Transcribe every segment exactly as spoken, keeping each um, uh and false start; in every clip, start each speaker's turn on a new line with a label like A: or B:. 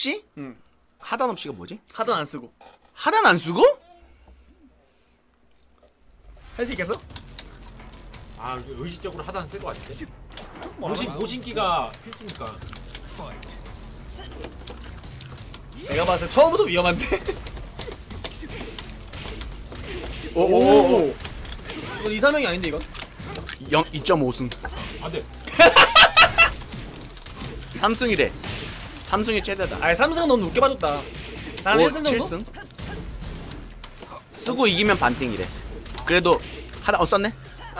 A: 없이?
B: 응.
A: 하단 없이가 뭐지?
B: 하단 안 쓰고.
A: 하단 안 쓰고?
B: 할 수 있겠어?
C: 아 의식적으로 하단 쓸 것 같은데. 모신 모신기가 필수니까.
B: 내가 봤을 때 처음부터 위험한데.
A: 오오오.
B: 이건 이사명이 아닌데 이건?
A: 영 이 점 오 승.
C: 안돼.
A: 삼승이래. 삼승이 최대다.
B: 아니 삼승은 너무 높게 봐줬다. 난 일 승 정도?
A: 칠 승? 쓰고 이기면 반띵이래. 그래도 하나 어 썼네?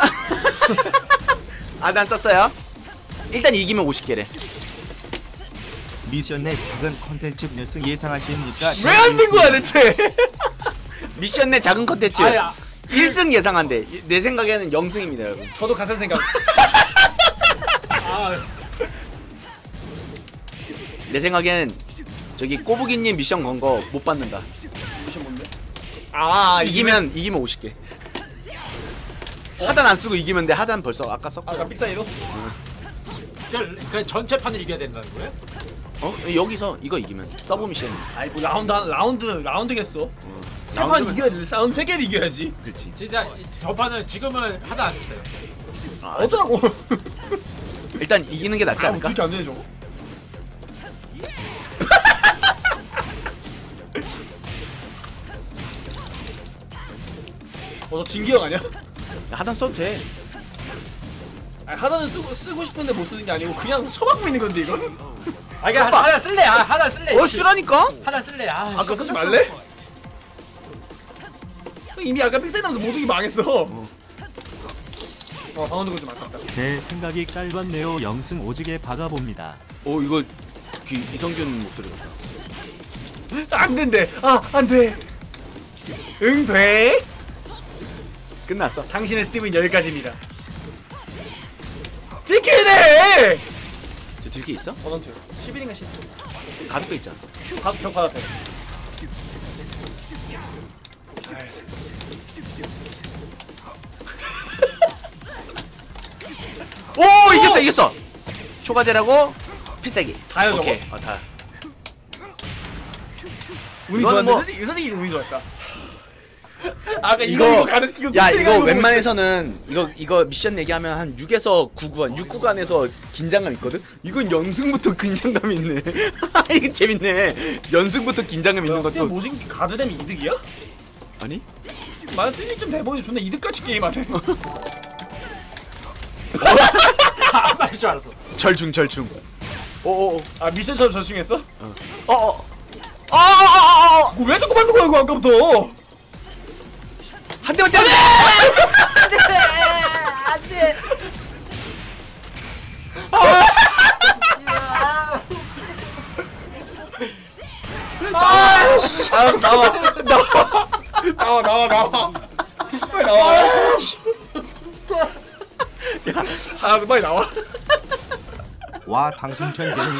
A: 아 난 썼어요. 일단 이기면 오십 개래.
D: 미션 내 작은 컨텐츠 결승 예상하십니까?
B: 왜 안 된 거야 대체?
A: 미션 내 작은 컨텐츠
C: 아야.
A: 일 승 예상한대. 내 생각에는 영 승입니다 여러분.
B: 저도 같은 생각.
C: 아
A: 내 생각에는 저기 꼬부기님 미션 건 거 못 받는다.
B: 미션 뭔데? 아
A: 이기면 이기면 오십 개. 하단 안 쓰고 이기면 돼. 하단 벌써 아까 썼고.
B: 아까 빅사이로?
C: 그냥, 그냥 전체 판을 이겨야 된다는 거예요?
A: 어? 여기서 이거 이기면 서브 미션.
B: 아이 뭐 라운드 한 라운드 라운드겠어. 세 판
A: 라운드면-
B: 이겨야 돼. 라운드 세 개를 이겨야지.
A: 그렇지.
C: 진짜 저 판은 지금은 하단 안 썼어요.
A: 아,
B: 어쩌라고?
A: 일단 이기는 게 낫지
B: 아,
A: 않을까?
B: 그렇게 안 되네 저거. 어, 저 진기형 아니야?
A: 하단 써도 돼.
B: 아니, 하단은 쓰고 쓰고 싶은데 못 쓰는 게 아니고 그냥 쳐박고 있는 건데 이거.
C: 아 그냥 하단, 하단 쓸래. 아 하단 쓸래.
A: 어
C: 씨.
A: 쓰라니까?
C: 하단 쓸래. 아,
B: 아까 그거 쓰지 말래? 이미 아까 픽셀 나면서 모두기 망했어. 어, 방언 듣고 좀 아깝다.
D: 제 생각이 짧았네요. 영승 오지게 박아봅니다.
A: 오 이거 그 이성균 목소리 같다.
B: 안 된대. 아, 안 돼. 응, 돼.
A: 끝났어.
B: 당신의 스티브는 여기까지입니다. 디키네!
A: 저 들게 있어?
B: 버넌트. 십일인가 십.
A: 가득도 있잖아.
B: 밥, 벽 받았다.
A: 오 이겼어 이겼어. 초과제라고 필살기.
B: 다요, 저거?
A: 오케이. 어 다.
B: 운이
A: 이거는
B: 좋았는데
A: 뭐-
B: 솔직히, 솔직히 운이 좋았다. 아까
A: 이거
B: 이거 이거 가르치고
A: 야 이거 웬만해서는 이거 이거 미션 얘기하면 한 육에서 구 구간 육 구간에서 긴장감 있거든. 이건 연승부터 긴장감이 있네. 이거 재밌네. 연승부터 긴장감 있는
B: 스티브
A: 것도
B: 모진 가드 되면 이득이야?
A: 아니?
B: 말 쓰리쯤 돼보니 존나 이득같이 게임하네.
C: 안 맞을 줄 알았어.
A: 절충 절충. 오오오.
B: 아 미션처럼 저중했어?
A: 어어. 어어어어.
B: 그거 왜 자꾸 만든 거야 이거 아까부터?
A: 한 대만 때려.
E: 안돼.
B: 아 나와 나와 나와 나와 나와 빨리 나와. 야, 아 빨리 나와.
D: 와 당신 천재는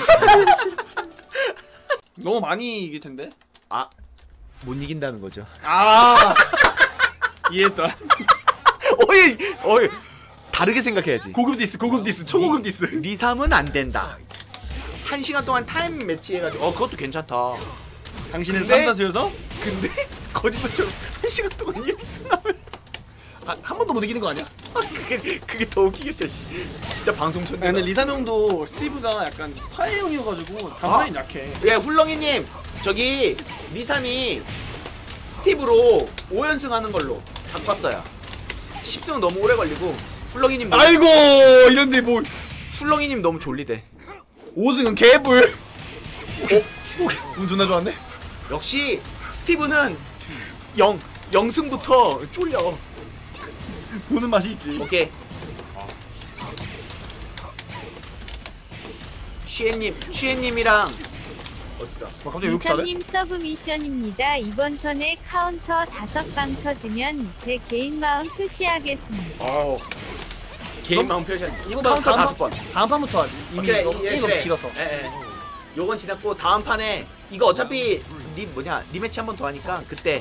B: 너무 많이 이길 텐데.
A: 아. 못 이긴다는 거죠.
B: 아 이해했다.
A: 어이 어이. 다르게 생각해야지.
B: 고급 디스 고급 디스 초고급 디스.
A: 리삼은 안 된다. 한 시간 동안 타임 매치 해가지고 어 그것도 괜찮다.
B: 당신은
A: 근데-
B: 삼다수여서
A: 근데 거짓말처럼 한 시간 동안 연습 나면
B: 아, 한 번도 못 이기는 거 아니야?
A: 아, 그게 그게 더 웃기겠어. 씨. 진짜 방송 천재.
B: 아니, 근데 리삼 형도 스티브가 약간 파이형이어가지고 단판이 약해.
A: 예 훌렁이님 저기 리삼이 스티브로 오 연승 하는 걸로 바꿨어요. 십 승은 너무 오래 걸리고 훌렁이님 너무,
B: 아이고 이런데 뭐
A: 훌렁이님 너무 졸리대.
B: 오 승은 개불. 오, 운 존나 좋았네.
A: 역시 스티브는 영 영승부터 쫄려.
B: 보는 맛이 있지.
A: 오케이. 쉬엔님 쉬엔님이랑 어딨어?
B: 와, 갑자기 왜 이렇게 잘해?
E: 이사님 서브 미션입니다. 이번 턴에 카운터 다섯 방 터지면 제 개인 마음 표시하겠습니다.
A: 어. 개인 마음 표시.
B: 이거
A: 카운터
B: 다음
A: 다섯 번.
B: 다음 판부터 하지. 이미
A: 오케이,
B: 너무
A: 예,
B: 게임 너무
A: 그래.
B: 길어서.
A: 예, 예. 요건 지났고 다음 판에 이거 어차피 리 뭐냐 리매치 한 번 더 하니까 그때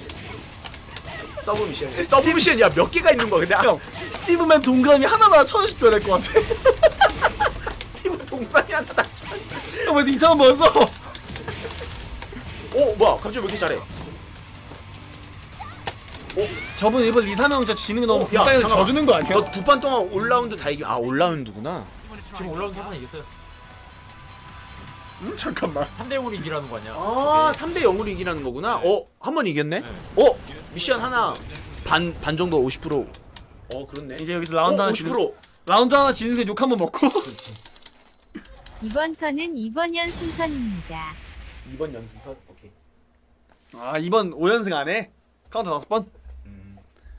A: 서브 미션. 예, 서브 미션 야 몇 개가 있는 거야 근데 아,
B: 형 스티브맨 동그라미 하나만 천원씩 줘야 될 것 같아.
A: 스티브 동반이 하나 다.
B: 형왜 이천 원 벌었어?
A: 오 뭐야 갑자기 왜 이렇게 잘해?
B: 저분 이번 리사명 진짜 지는 게 너무
A: 어, 야,
B: 불쌍해서
A: 잠깐만.
B: 져주는 거 아니야?
A: 너 두 판 동안 올라운드 다 이기. 아 올라운드구나.
C: 지금 올라온 한 번 이겼어요.
B: 음 잠깐만.
C: 삼 대 영으로 이기라는 거 아니야?
A: 아 삼 대 영으로 이기라는 거구나. 어 한 번 이겼네.
C: 네.
A: 어 미션 하나 반 반 정도 오십 퍼센트. 어 그렇네.
B: 이제 여기서 라운드
A: 어,
B: 하나
A: 오십
B: 지는
A: 퍼센트.
B: 라운드 하나 지는 게 욕 한 번 먹고.
E: 이번 턴은 이번 연승 턴입니다.
A: 이번 연승턴 오케이.
B: 아 이번 오 연승 안 해? 카운터 다섯 번?
A: 음.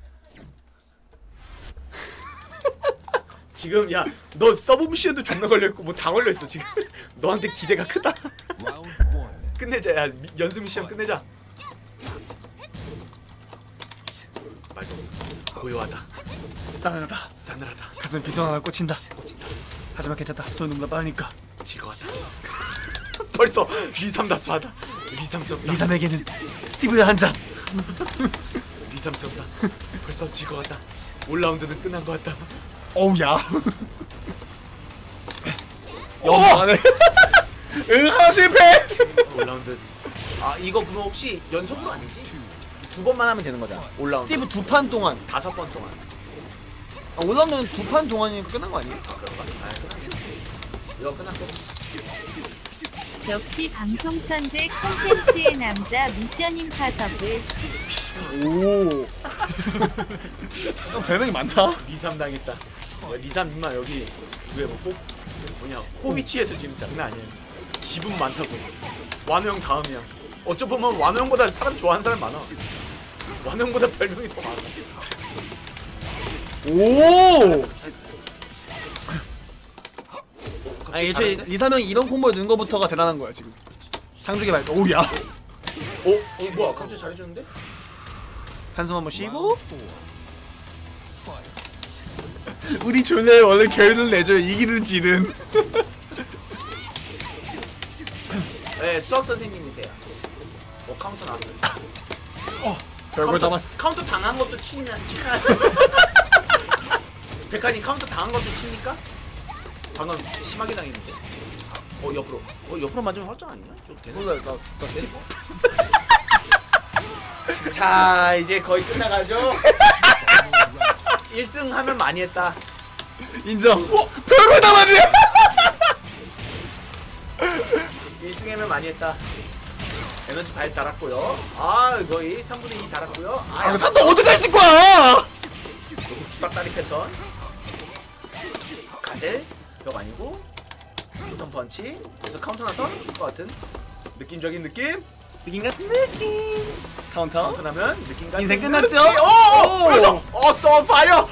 A: 지금 야 너 서브 미션도 존나 걸려있고 뭐 다 걸려있어 지금. 너한테 기대가 크다. 끝내자. 야 미, 연습 미션 끝내자. 말도 없어. 고요하다.
B: 싸늘하다.
A: 싸늘하다.
B: 가슴에 비수 하나 꽂힌다.
A: 꽂힌다.
B: 하지만 괜찮다. 손이 너무나 빠르니까.
A: 즐거웠다. 벌써 위삼답수하다. 위삼스럽다.
B: 리삼에게는 스티브의 한 장.
A: 위삼스럽다. 벌써 즐거웠다. 올 라운드는 끝난 것 같다.
B: 어우 야. 영안해. 응 하나 실패.
A: 올 라운드. 아 이거 그럼 혹시 연속으로 아니지? 두 번만 하면 되는 거잖아. 올 라운드.
B: 스티브 두 판 동안.
A: 다섯 번 동안.
B: 아, 올라운드는 두 판 동안이니까 끝난 거 아니에요?
A: 아 그런가? 아 끝났어. 이거 끝났고.
E: 역시 방송 천재 콘텐츠의 남자 미션 임파서블.
B: 오. 어, 별명이 많다.
A: 리삼 당했다. 야, 리삼 임마 여기 그게 뭐 호, 뭐냐 호비치에서 지금 장난 아니야. 지분 많다고. 완호 형 다음이야. 어쩌보면 완호 형보다 사람 좋아하는 사람 많아. 완호 형보다 별명이 더 많아.
B: 오. 아
A: 갑자기
B: 애초에
A: 잘하는데?
B: 리사명이 이런 콤보에 넣은 거부터가 대단한 거야 지금. 상중에 말. 오야.
A: 어? 어 뭐야 갑자기 잘해줬는데?
B: 한숨 한번 쉬고. 우리 존에 원래 결론을 내줘요. 이기든 지든.
A: 네 수학 선생님이세요. 어 카운터 나왔어요.
B: 별걸
A: 카운터,
B: 담아.
A: 카운터 당한 것도 치냐 치냐. 백한이 카운터 당한 것도 칩니까? 방금 심하게 당했는데. 어 옆으로. 어 옆으로 맞으면 확정 아니냐? 좀 되네.
B: 몰라 나나 스티브.
A: 자 이제 거의 끝나가죠. 일 승 하면 많이 했다.
B: 인정. 어, 별걸 담았네.
A: 일 승 하면 많이 했다. 에너지 발 달았고요. 아 거의 삼분의 이 달았고요.
B: 아 이거 산타 어디가 있을 거야?
A: 싹다리 패턴. 가젤 벽 아니고 포턴 펀치. 그래서 카운터 나서 죽을 것 같은 느낌적인 느낌.
B: 느낌 같은 느낌. 카운터.
A: 카운터 나면 느낌 같은
B: 인생 끝났죠?
A: 느낌. 오! 그래서 어 썬파이어.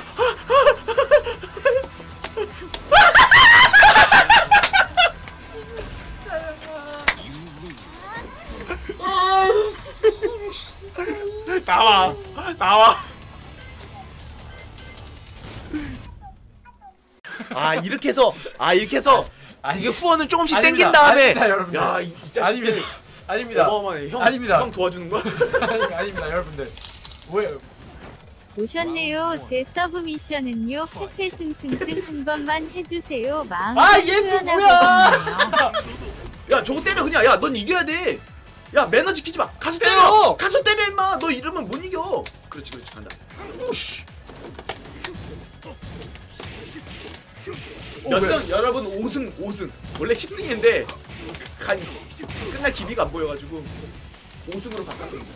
B: 나와. 나와.
A: 아 이렇게 해서 아 이렇게 해서
C: 아니,
A: 이게 후원을 조금씩
C: 아닙니다.
A: 땡긴 다음에
C: 아닙니다, 여러분들.
A: 야 이 자식들
C: 아닙니다. 아닙니다.
A: 어마어마해. 형,
C: 아닙니다.
A: 형 도와주는 거야?
C: 아니, 아닙니다, 여러분들. 왜?
E: 오셨네요. 제 서브 미션은요. 페페 승승승 한 번만 해주세요. 마음
C: 아, 얘 또 뭐야?
A: 야 저거 때려 그냥. 야 넌 이겨야 돼. 야 매너 지키지 마. 가서 때려.
B: 때려!
A: 가서 때려 임마. 너 이러면 못 이겨. 그렇지 그렇지 간다. 우씨. 몇 승? 여러분 오 승 오 승. 원래 십 승인데 간 끝날 기미가 안 보여가지고 오 승으로 바꿨습니다.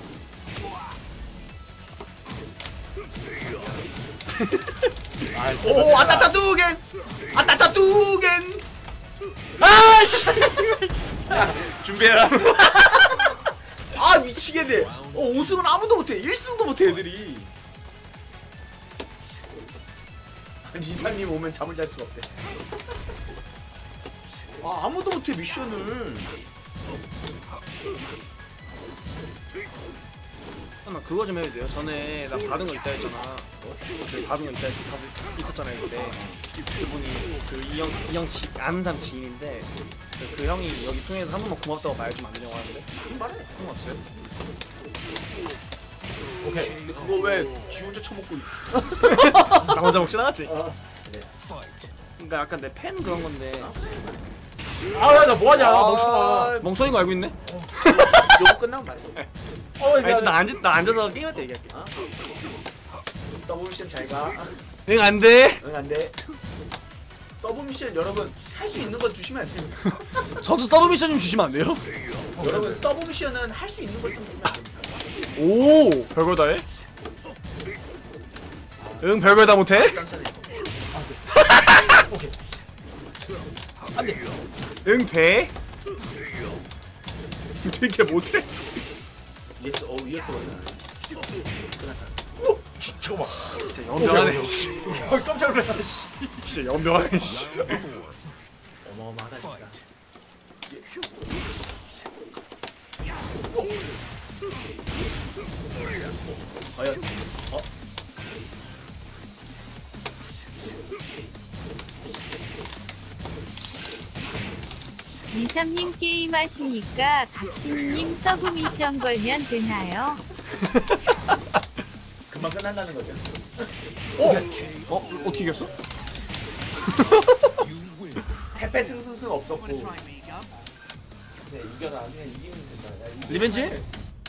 A: 오 아따따 뚜겐 아따따 뚜겐. 아씨 진짜 준비해라. 아 미치겠네. 어 오 승은 아무도 못해. 일 승도 못해 애들이. 리사님 오면 잠을 잘 수가 없대. 아 아무도 못해 미션을.
B: 잠깐만 그거 좀 해도 돼요? 전에 나 받은 거 있다 했잖아. 그 받은 거 있다 했 있었잖아요 그때. 그분이 그 이형 이형 지 아는 사람 지인인데 그, 그 형이 여기 통해서 한 번만 고맙다고 말 좀 안 되냐고 하는데.
A: 말해.
B: 상관없어요?
C: 오케이.
A: 근데 그거 왜 지 혼자 처먹고 있어?
B: 나 혼자 먹진 않았지.
A: 아,
B: 그러니까 약간 내 팬 그런 건데
C: 아나 뭐하냐
A: 아,
C: 멍청아.
B: 멍청인 거 알고 있네.
A: 요거 끝나면 말해.
C: 어
B: 아니
C: 미안해.
B: 나 앉아 나 앉아서 게임할 때 얘기할게.
A: 어? 서브미션 잘 가.
B: 응 안 돼.
A: 응, 안 돼. 서브미션 여러분 할 수 있는 건 주시면 안 됩니다.
B: 저도 서브 미션 좀 주시면 안 돼요?
A: 여러분 서브미션은 할 수 있는 걸 좀 주면 안 됩니다.
B: 오 별걸 다 해? 응 별걸 다 못해?
A: 짠짠해.
C: 오케이. 안돼.
B: 응 돼? 되게 못해?
A: 이에스 어 이에스 원은
C: 잠깐만.
B: 진짜 연병하네. 씨.
C: 어, 깜짝 놀랐네. 씨.
B: 진짜 연병하네. 씨.
A: 어마어마하다 진짜. 과연 어?
E: 이삼님 게임 하시니까 각신님 서브미션 걸면 되나요?
A: 금방 끝난다는 거죠.
B: 어? 어떻게 이겼어?
A: 패패 승승승 없었고. 네 이겨라 그냥 이기면 된다. 야, 이기면
B: 리벤지?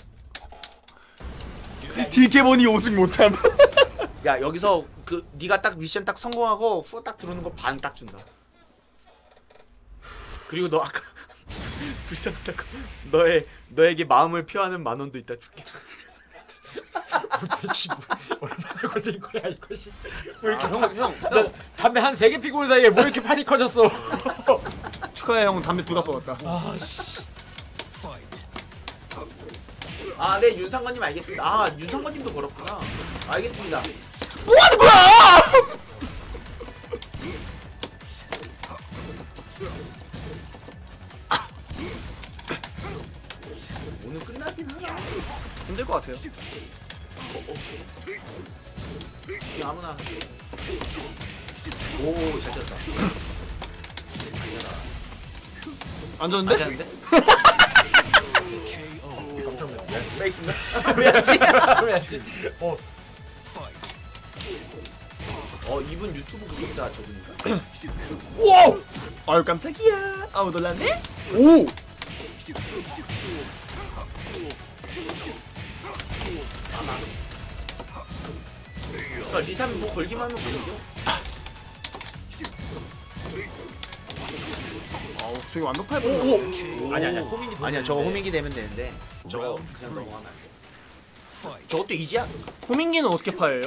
B: 디케몬이 오승 못함.
A: 야 여기서 그 네가 딱 미션 딱 성공하고 후가 딱 들어오는 거 반 딱 준다. 그리고 너 아까 불쌍하다고 너의 너에게 마음을 표하는 만 원도 있다 줄게.
C: 도대체 뭐, 얼마나 걸린 거야 이거 씨. 왜 이렇게
B: 형 형.
C: 나 담배 한 세 개 피고 온 사이에 뭐 이렇게 판이 커졌어.
B: 축하해 형 담배 두 갑 먹었다.
C: 아 씨.
A: 아 네 윤상관님 알겠습니다. 아 윤상관님도 그렇구나. 알겠습니다.
B: 뭐 하는 거야?
A: 오늘 끝나긴 하나.
B: 힘들 것 같아요.
A: 지금 아무나. 오잘 쳤다.
B: 안 졌는데?
A: 잘하는데?
C: 깜짝 놀랐네.
A: 페이크인가? 왜였지?
C: 왜지? 어.
A: 어 이분 유튜브 구독자 저분인가?
B: 와! 아유 깜짝이야. 아우 놀랐네? 오!
A: 아, 리삼이 뭐 걸기만 하면 못 이겨.
B: 아우 저기 완벽할
A: 오,
B: 뻔.
A: 오.
C: 아니 아니야 호민기
A: 아니야 저거 호민기 되면 되는데 저거 그냥 넘어가면 안 돼. 저것도 이지야?
B: 호민기는 어떻게 파예요?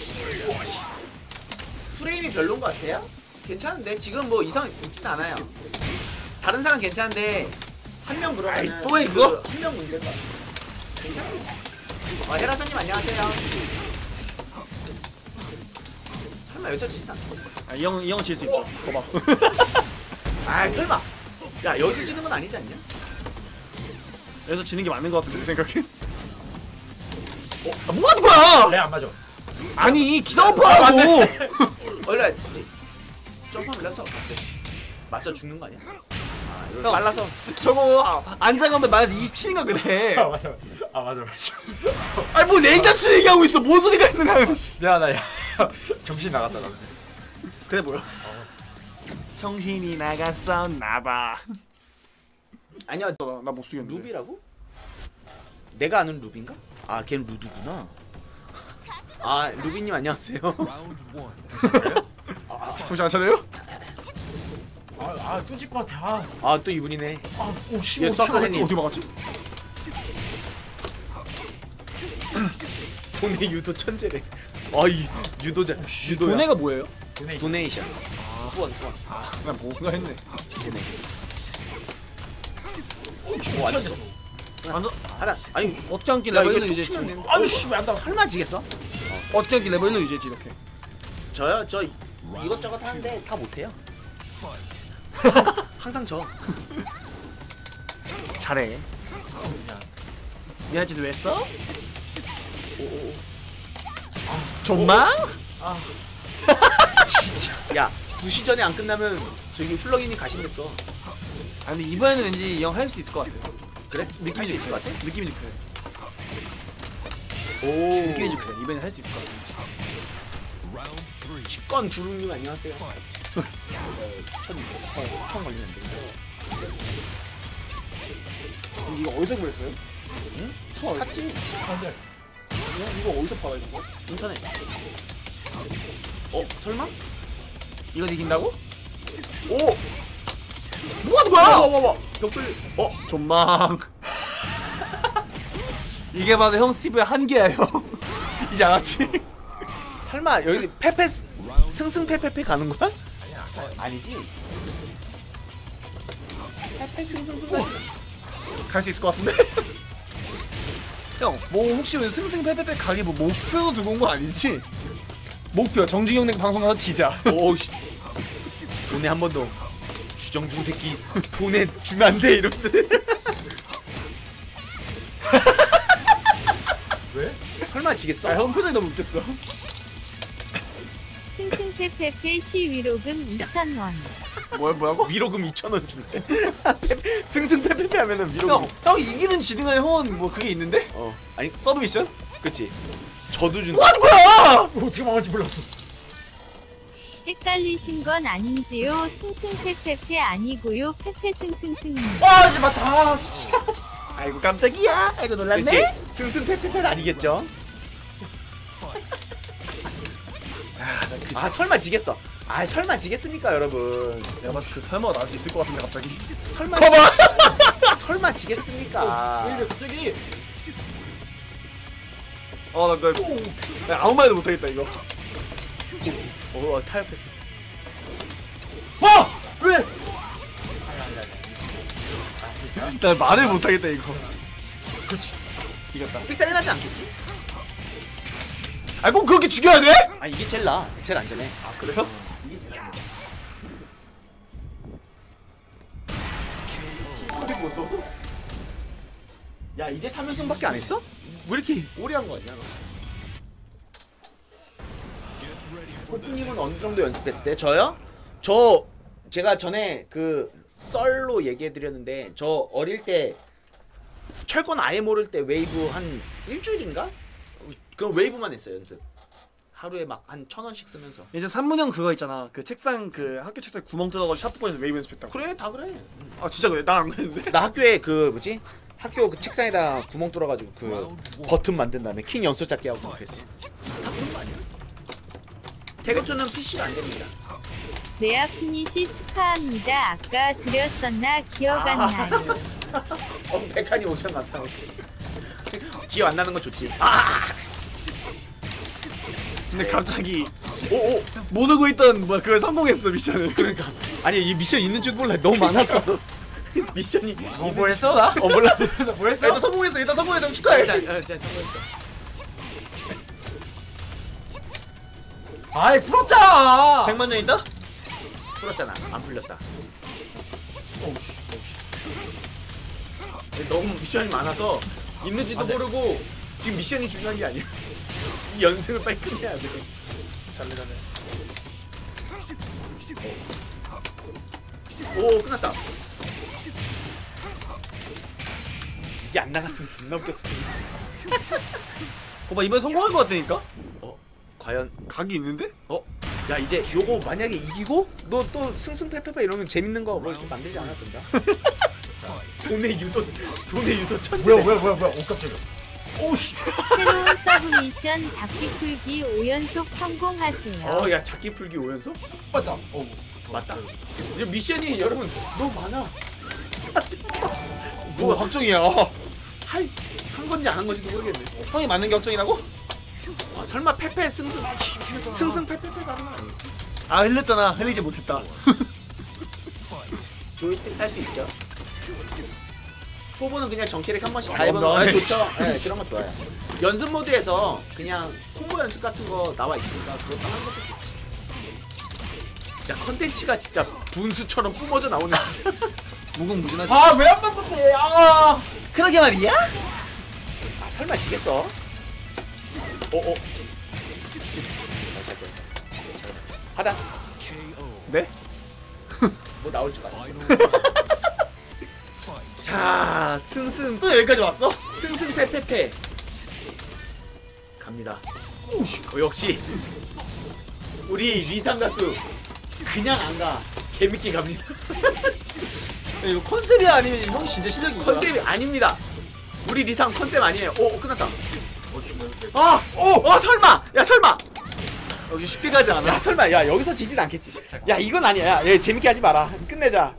A: 프레임이 별론 것 같아요? 괜찮은데 지금 뭐 이상 있진 않아요. 다른 사람 괜찮은데 한 명 그러면은
B: 아이, 또 해, 그거?
A: 한 명 문제인 것 같아. 괜찮아요. 어, 헤라사님 안녕하세요. 설마 여기서 지진 않겠지?
B: 아, 이 형 이 형 질 수 있어. 봐봐.
A: 아 설마. 야 여기서 지는 건 아니지 않냐?
B: 여기서 지는 게 맞는 것 같은데 내 생각엔. 어? 아, 뭐 하는 거야?
C: 내안 맞아.
B: 아니 기다려봐라고.
A: 얼라 했지. 점프하면 올라서 맞춰 죽는 거 아니야? 아 이거
B: 형.
A: 빨라서.
B: 저거 안장하면 마이너스 이십칠인가 그래.
C: 아 맞아. 아 맞아 맞아.
B: 아니 뭐 냉장수 얘기하고 있어. 뭔 소리가 있는 거야.
C: 미안하다 야. 정신 나갔다 나.
B: 그래 뭐야? 정신이 나갔어 나봐.
A: 아니야
B: 나못 쓰겠는데.
A: 루비라고? 내가 아는 루비인가? 아 걔는 루드구나. 아 루비님 안녕하세요.
B: 정신 안 차려요?
C: 아아 뚫질 것 같아. 아.
A: 아 또 이분이네.
C: 아 오씨.
A: 얘 쐈어
B: 어떻게
A: 님
B: 막았지?
A: 도네 유도 천재래. 아이 유도자 유도야.
B: 도네가 뭐예요?
C: 돈에
A: 도네이션. 후원 후원.
B: 아 그냥 뭔가 했네.
A: 도네.
C: 오
A: 튀어졌어.
B: 안,
A: 하나 아니
B: 어떻게 한끼
A: 야
B: 레벨
A: 이거
B: 일
A: 뚝
B: 이제
A: 치면
B: 지
A: 되는데.
C: 아유 씨왜 안 나와.
A: 설마 지겠어?
B: 어떻게 한끼 레벨 일 이제지 이렇게.
A: 저요 저 이것저것 하는데 다 못해요. 항상 저.
B: 잘해. 미안 짓을 왜 했어?
A: 오오오.
B: 존망?
A: 야 두 시 전에 안 끝나면 저기 훌렁이님 가시겠어.
B: 아 근데 이번에는 왠지 이 형 할 수 있을 것 같아.
A: 그래? 느낌이 좀 있을 것 같아?
B: 느낌이 좀 그래.
A: 오.
B: 느낌이 좀 그래. 이번에 할 수 있을 것 같아.
A: 치권 두루님 안녕하세요. 천 어, 총 걸리면 안 되는데.
B: 이거 어디서 구했어요?
A: 응?
B: 처음
A: 샀지.
C: 안돼.
B: 이거, 이거 어디서 팔아 이거?
A: 인터넷. 어 설마?
B: 이건 이긴다고?
A: 오. 뭐 하는 거야? 와, 와, 와. 벽돌. 어.
B: 존망. 이게 바로 형 스티브의 한계야 형. 이제 알았지?
A: 설마 여기 페페 스- 승승패패패 가는 거야? 아니지. 페페 승승승.
B: 갈 수 있을 것 같은데? 형, 뭐 혹시 왜 승승패패패 가게 뭐 목표도 두고 온 거 아니지? 목표 정중형 내 방송 가서 지자.
A: 오씨. 돈에 한 번 더. 주정중 새끼 돈에 주면 안 돼 이러면서.
C: 왜?
A: 설마 지겠어?
B: 아, 형 표정이 너무 웃겼어.
E: 승승패패패 시위로금 이천 원.
B: 뭐야 뭐라고?
A: 위로금 이천 원 준대. 승승패패패 하면은 위로금.
B: 형, 형 이기는 지는 간에 형은 뭐 그게 있는데?
A: 어. 아니
B: 서브 미션?
A: 그치. 저도 준다.
B: 뭐 하는 거야?
C: 어떻게 망할지 몰랐어.
E: 헷갈리신 건 아닌지요? 승승패패패 아니고요. 패패승승승입니다.
C: 아 이제 맞다. 씨.
B: 아이고 깜짝이야. 아이고 놀랐네.
A: 그치. 승승패패패는 아니겠죠? 아 설마 지겠어. 아 설마 지겠습니까 여러분.
B: 내가 봤을 때 그 설마가 나올 수 있을 것 같은데 갑자기.
A: 설마
B: 커버.
A: 지... 설마 지겠습니까?
C: 왜 이래 갑자기?
B: 어나 나, 나 아무 말도 못하겠다 이거.
A: 어 타협했어.
B: 와! 왜? 나 말을 못하겠다 이거.
C: 그렇지.
B: 이겼다.
A: 삑사리 나지 않겠지?
B: 아 꼭 그렇게 죽여야 돼?
A: 아 이게 제일 나. 제일 안전해.
B: 아 그래요?
A: 이게 제일 나. 소리 보소. 야 이제 삼 연승밖에 안 했어? 왜 이렇게 오래 한 거 아니야 너? 호프님은 어느 정도 연습했을 때? 저요? 저 제가 전에 그 썰로 얘기해드렸는데 저 어릴 때 철권 아예 모를 때 웨이브 한 일주일인가? 그럼 웨이브만 했어요 연습. 하루에 막 한 천 원씩 쓰면서.
B: 이제 산문형 그거 있잖아. 그 책상 그 학교 책상에 구멍 뚫어가지고 샤프권에서 웨이브 연습했다고.
A: 그래 다 그래.
B: 아 진짜 그래? 나 안 그랬는데?
A: 나 학교에 그 뭐지? 학교 그 책상에다 구멍 뚫어가지고 그 버튼 만든 다음에 킹 연소 잡기 하고 그랬어. 다 그런 거 아니야? 태그투는 피씨가 안 됩니다.
E: 레아 피니시 축하합니다. 아까 드렸었나 기억 안 나요.
A: 어, 백한이 오천 감사합니다. 기억 안 나는 건 좋지. 아!
B: 근데 갑자기
A: 오, 오.
B: 모르고 있던 뭐야 그걸 성공했어 미션을.
A: 그러니까 아니 이 미션 있는 줄 몰라. 너무 많아서. 미션이
C: 뭐, 뭐 했어 나?
A: 어 몰라.
C: 뭐 했어?
B: 일단 성공했어. 일단 성공해서 축하해.
A: 자, 어, 자, 성공했어.
C: 아이 풀었잖아.
B: 백만 년 있다?
A: 풀었잖아. 안 풀렸다. 너무 미션이 많아서 있는지도
C: 안 돼.
A: 모르고 지금 미션이 중요한 게 아니야. 이 연승을 빨리 끝내야 돼.
B: 잘래 잘래.
A: 오 끝났다. 이게 안 나갔으면 존나 웃겼을 텐데.
B: 거봐 이번에 성공한 거 같다니까?
A: 어 과연
B: 각이 있는데?
A: 어? 야 이제 요거 만약에 이기고 너 또 승승패패패 이러면 재밌는 거 뭐 이렇게 만들지 않아도 된다. 돈의 유도 돈의 유도 천재.
C: 뭐야 뭐야 뭐야 뭐야. 오 깜짝이야. 오씨.
E: 새로운 서브 미션 잡기 풀기 오 연속 성공하세요.
A: 어야 잡기 풀기 오 연속?
C: 맞다. 어
A: 맞다. 이제 미션이 여러분 너무 많아.
B: 뭐 확정이야.
A: 할, 한 건지 안 한 건지도 모르겠네.
B: 형이 맞는 게 확정이라고?
A: 아, 설마 패패 승승 승승 패패패 가는 거 아니야?
B: 아 흘렸잖아. 흘리지 못했다.
A: 조이스틱 살 수 있죠. 초보는 그냥 정키를 한 번씩 다
B: 아,
A: 해보는 거
B: 너무
A: 좋죠. 네, 그런 거 좋아요. 연습 모드에서 그냥 홍보 연습 같은 거 나와 있으니까 그것도 하는 것도 좋지. 진짜 컨텐츠가 진짜 분수처럼 뿜어져 나오는 진짜.
B: 무궁무진하지.
C: 아왜 안 만든대? 아.
B: 그러게 말이야?
A: 아 설마 지겠어? 오오. 하다.
B: 네?
A: 뭐 나올 줄 알았어. 자 승승
B: 또 여기까지 왔어?
A: 승승패패패 갑니다. 어, 역시 우리 리상 가수 그냥 안 가. 재밌게 갑니다.
B: 이거 컨셉이 아니면 형이 진짜 실력이 이거야?
A: 컨셉이 아닙니다. 우리 리상 컨셉 아니에요. 오, 끝났다. 아, 오, 어 설마. 야 설마.
B: 여기 쉽게 가지 않아.
A: 야 설마. 야 여기서 지진 않겠지. 야 이건 아니야. 야, 얘 재밌게 하지 마라. 끝내자.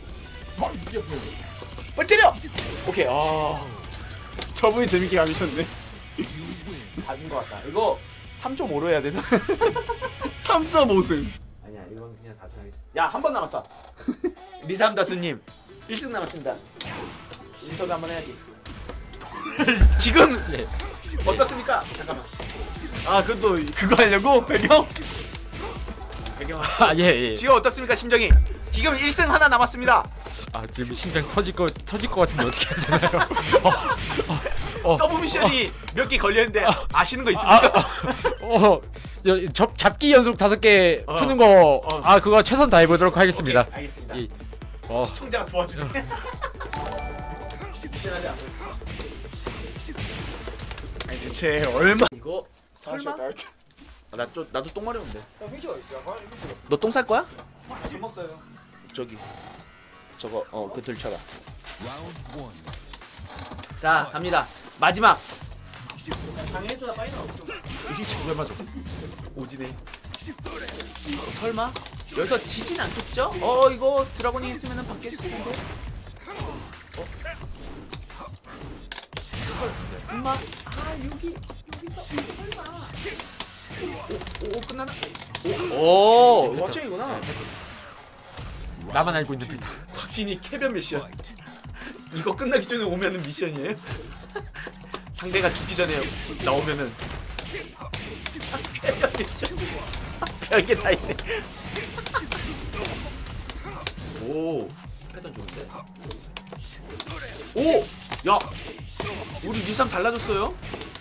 A: 빨리 때려. 오케이. 아, 저분이 재밌게 가미셨네. 다 준 것 같다. 이거 삼 점 오로 해야 되나?
B: 삼 점 오 승.
A: 아니야, 이건 그냥 사 승 하겠습니다. 야, 한 번 남았어. 리삼 다수님 일 승 남았습니다. 인터뷰 한번 해야지. 지금
C: 네.
A: 어떻습니까? 잠깐만.
B: 아 그것도 그거 하려고? 배경?
A: 배경.
C: 아, 예, 예.
A: 지금 어떻습니까, 심정이? 지금 일 승 하나 남았습니다.
C: 아, 지금 심장 터질 거 터질 것 같은데 어떻게 해야 되나요? 어, 어, 어,
A: 서브 미션이 몇 개 걸렸는데 아시는 거 있습니까?
C: 어, 여- 접 잡기 연속 다섯 개
A: 어.
C: 푸는 거,
A: 어.
C: 아 그거 최선 다해 보도록 하겠습니다.
A: 오케이, 알겠습니다.
C: 예. 어,
A: 시청자가 도와주네. 미션하지 않고.
B: 아니 대체 얼마?
A: 이거 설마? 아, 나 좀 나도 똥 마려운데.
B: 형 휴지가 있어요. 휴지가.
A: 너 똥 쌀 거야?
B: 밥 먹어요.
A: 저기 저거 어 그 들쳐라. 자 갑니다. 마지막.
B: 당해줘라 빨리 나와.
A: 휴지 왜 맞아? 오지네. 어, 설마 여기서 지진 않겠죠? 어 이거 드라곤이 있으면은 바뀌었을 텐데. 어? 설마? 아 여기 여기서 설마? 오, 오 끝나나? 오, 오 확정이구나.
C: 나만 알고 있는 빌드.
A: 확신이 캐변 미션. 이거 끝나기 전에 오면은 미션이에요? 상대가 죽기 전에 나오면은 캐변 미션. 별게 다 있네. 오, 패턴 좋은데? 오, 야, 우리 리삼 달라졌어요?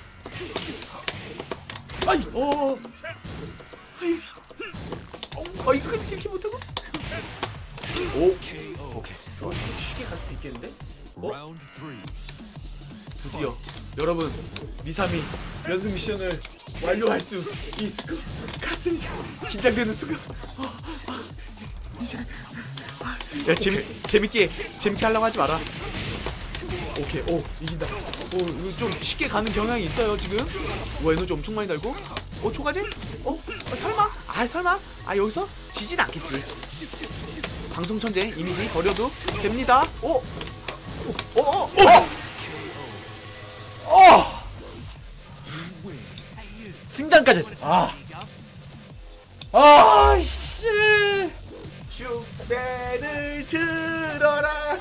A: 아이, 오, 아이, 아 이거 이렇게 못하고? 오, 오케이, 좋아. 쉽게 갈 수도 있겠는데? 어? 드디어 여러분 리삼이 연습 미션을 완료할 수 있을 것 같습니다. 긴장되는 순간. 어, 어, 이제 야 재밌 재밌게 재밌게 하려고 하지 마라. 오케이, 오 이긴다. 오 이거 좀 쉽게 가는 경향이 있어요 지금. 오 에너지 엄청 많이 달고. 오 초가제? 어? 어 설마? 아 설마? 아 여기서 지진 않겠지. 방송 천재 이미지 버려도 됩니다. 오, 오, 오, 오, 오, 어.
C: 승장까지 했어. 아, 아, 씨.
A: 축배를 들어라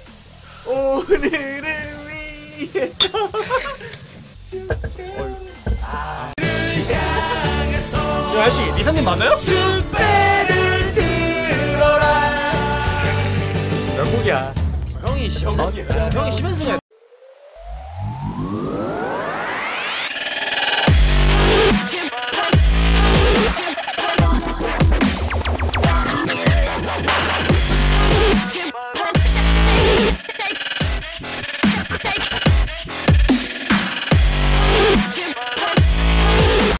A: 오늘을 위해서.
B: 야 아저씨 리사님 맞아요?
A: 축배를 들어라.
C: 명곡이야.
B: 형이 시
A: 형이야.
B: 형이 심연승